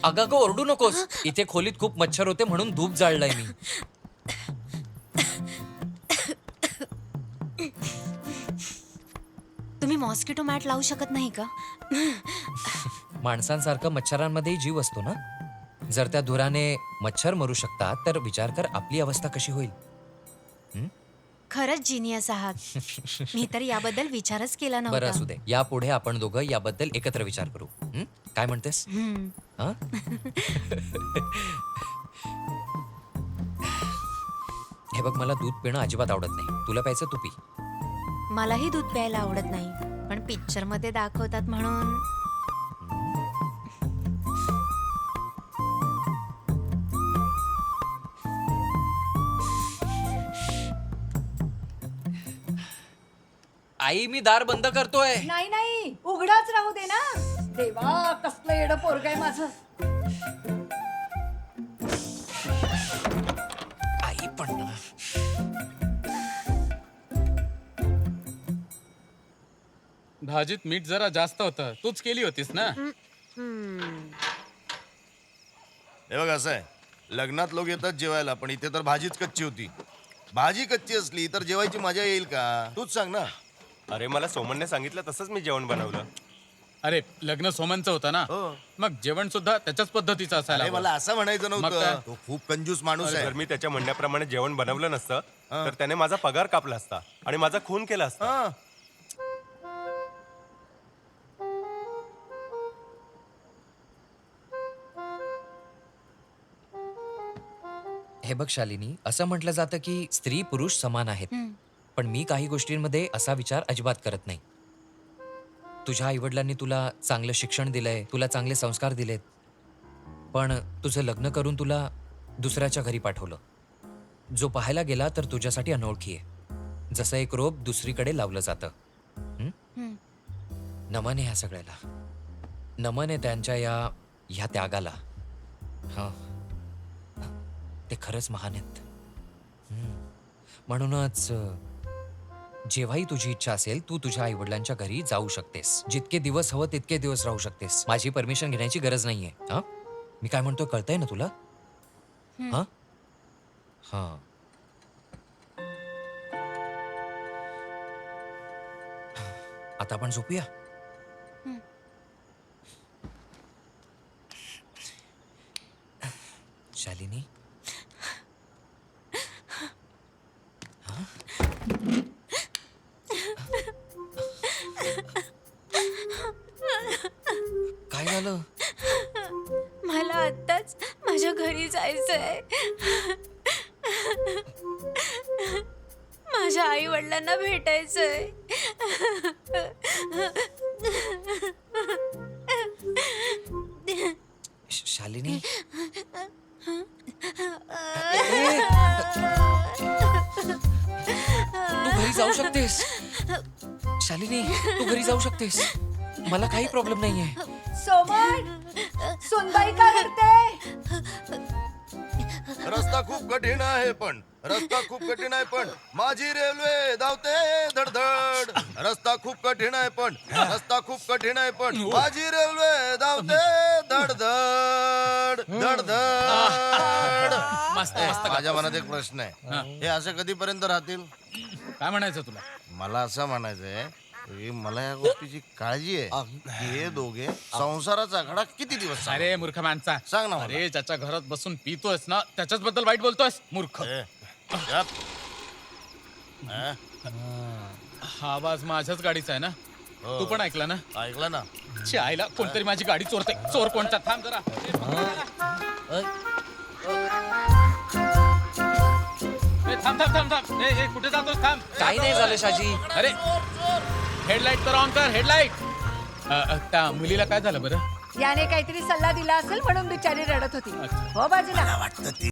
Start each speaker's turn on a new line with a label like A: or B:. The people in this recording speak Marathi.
A: अगं ओरडू नकोस. इथे खोलीत खूप मच्छर होते म्हणून धूप जाळलाय मी.
B: तुम्ही मॉस्किटो मॅट लावू शकत नाही का?
A: माणसांसारखं मच्छरांमध्येही जीव असतो ना. जर त्या धुराने मच्छर मरू शकतात तर विचार कर आपली अवस्था कशी होईल.
B: खरंच जिनियस आहात. मी तर याबद्दल विचारच केला
A: बरं
B: नव्हता.
A: असू दे, यापुढे आपण दोघं याबद्दल एकत्र विचार करू. काय म्हणतेस?
B: हम्म.
A: हं? हे बघ, मला दूध पिणं अजिबात आवडत नाही. तुला प्यायचं तू पी.
B: मलाही दूध प्यायला आवडत नाही, पण पिक्चर मध्ये दाखवतात म्हणून.
A: आई, मी दार बंद करतोय.
C: नाही नाही उघडाच राहू दे ना. देवा कसलं येडं पोरग आहे माझं.
A: आई पण ना.
D: भाजीत मीठ जरा जास्त होतं. तूच केली होतीस ना?
E: हे बघ, असं आहे, लग्नात लोक येतात जेवायला, पण इथे तर भाजीच कच्ची होती. भाजी कच्ची असली तर जेवायची मजा येईल का? तूच सांग ना.
F: अरे मला सोमनने सांगितलं तसंच मी जेवण बनवलं.
D: अरे लग्न सोमनचं होतं ना,
E: हो.
D: मग जेवण सुद्धा त्याच्याच पद्धतीचं असायला
E: अरे
D: हवं.
E: मला असं म्हणायचं
D: मग काय?
E: नव्हतं. तो खूप कंजूस माणूस आहे.
F: जर मी त्याच्या म्हणण्याप्रमाणे जेवण बनवलं नसतं तर त्याने माझा पगार कापला असता आणि माझा खून केला असता.
E: हा.
A: हे बघ शालिनी, असं म्हटलं जातं की स्त्री पुरुष समान आहेत. पण मी काही गोष्टींमध्ये असा विचार अजिबात करत नाही. तुझ्या आईवडिलांनी तुला चांगलं शिक्षण दिलंय, तुला चांगले संस्कार दिलेत, पण तुझं लग्न करून तुला दुसऱ्याच्या घरी पाठवलं. जो पाहायला गेला तर तुझ्यासाठी अनोळखी आहे. जसं एक रोप दुसरीकडे लावलं जातं. नमन आहे ह्या सगळ्याला. नमन आहे त्यांच्या ह्या त्यागाला. हा, ते खरंच महान आहेत. म्हणूनच जेव्हाही तुझी इच्छा असेल तू तुझ्या आई वडिलांच्या घरी जाऊ शकतेस. जितके दिवस हवं तितके दिवस राहू शकतेस. माझी परमिशन घेण्याची गरज नाहीये. हा, मी काय म्हणतोय कळतंय ना तुला? हा हा. आता आपण झोपूया. शालिनी, काय झालं?
B: मला आत्ताच माझ्या घरी जायचंय. माझ्या आई वडिलांना भेटायचंय.
A: शालिनी, तू घरी जाऊ शकतेस. शालिनी, तू घरी जाऊ शकतेस. मला काही प्रॉब्लेम नाहीये.
C: सोमन सुनबाई का रडते?
E: रस्ता खूप कठीण आहे पण माझी रेल्वे धावते धडधड. रस्ता खूप कठीण आहे पण माझी रेल्वे धावते धडधड धडधड.
D: मस्त मस्त.
E: माझ्या मनात एक प्रश्न आहे, हे असं कधीपर्यंत राहतील?
D: काय म्हणायचं तुला?
E: मला असं म्हणायचंय की मला या गोष्टीची काळजी आहे की हे दोघे संसाराचा आकडा किती दिवस चालणार?
D: अरे मूर्ख माणसा,
E: सांग ना मला.
D: अरे ज्याच्या घरात बसून पितोयस ना त्याच्याच बद्दल वाईट बोलतोयस मूर्ख.
E: ए, गप. हा?
D: हा आवाज माझ्याच गाडीचा आहे ना?
E: हो.
D: तू पण ऐकला ना?
E: ऐकलं ना?
D: आईला कोणतरी माझी गाडी चोरते. चोर कोणता? थांब जरा. थांब थांब थांब थांब. ए, कुठे जातोस? थांब.
A: काही नाही झालं शाजी.
D: अरे हेडलाईट तर ऑन कर. हेडलाईट. त्या मुलीला काय झालं बरं?
C: याने काहीतरी सल्ला दिला असेल म्हणून बिचारी रडत होती. हो बाजूला.
E: वाटतं ती